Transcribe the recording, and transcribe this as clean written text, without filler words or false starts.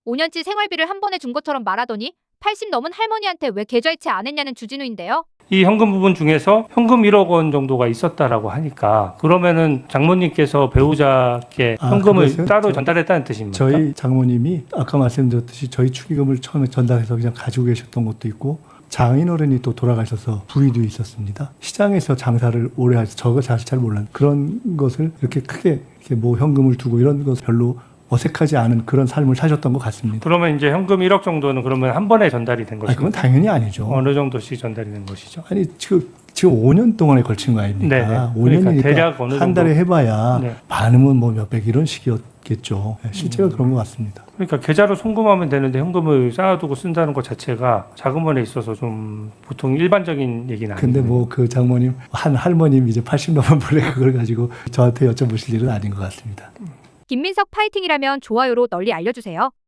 5년치 생활비를 한 번에 준 것처럼 말하더니 80 넘은 할머니한테 왜 계좌이체 안 했냐는 주진우인데요. 이 현금 부분 중에서 현금 1억 원 정도가 있었다라고 하니까 그러면은 장모님께서 배우자께 현금을 그것은 따로 전달했다는 뜻입니까? 저희 장모님이 아까 말씀드렸듯이 저희 축의금을 처음에 전달해서 그냥 가지고 계셨던 것도 있고 장인어른이 또 돌아가셔서 부위도 있었습니다. 시장에서 장사를 오래 해서 저거 사실 잘 몰랐는데 그런 것을 이렇게 크게 이렇게 뭐 현금을 두고 이런 것 별로 어색하지 않은 그런 삶을 사셨던 것 같습니다. 그러면 이제 현금 1억 정도는 그러면 한 번에 전달이 된 아니, 것이고 그건 당연히 아니죠. 어느 정도씩 전달이 된 것이죠? 아니 지금 5년 동안에 걸친 거 아닙니까? 네네. 5년이니까 그러니까 대략 어느 한 달에 정도? 해봐야 네. 많으면 뭐 몇백 이런 식이었겠죠. 실제가 그런 것 같습니다. 그러니까 계좌로 송금하면 되는데 현금을 쌓아두고 쓴다는 것 자체가 자금원에 있어서 좀 보통 일반적인 얘기는 아니에요. 근데 뭐 그 장모님 한 할머님 이제 80 넘은 분에 그걸 가지고 저한테 여쭤보실 일은 아닌 것 같습니다. 김민석 파이팅이라면 좋아요로 널리 알려주세요.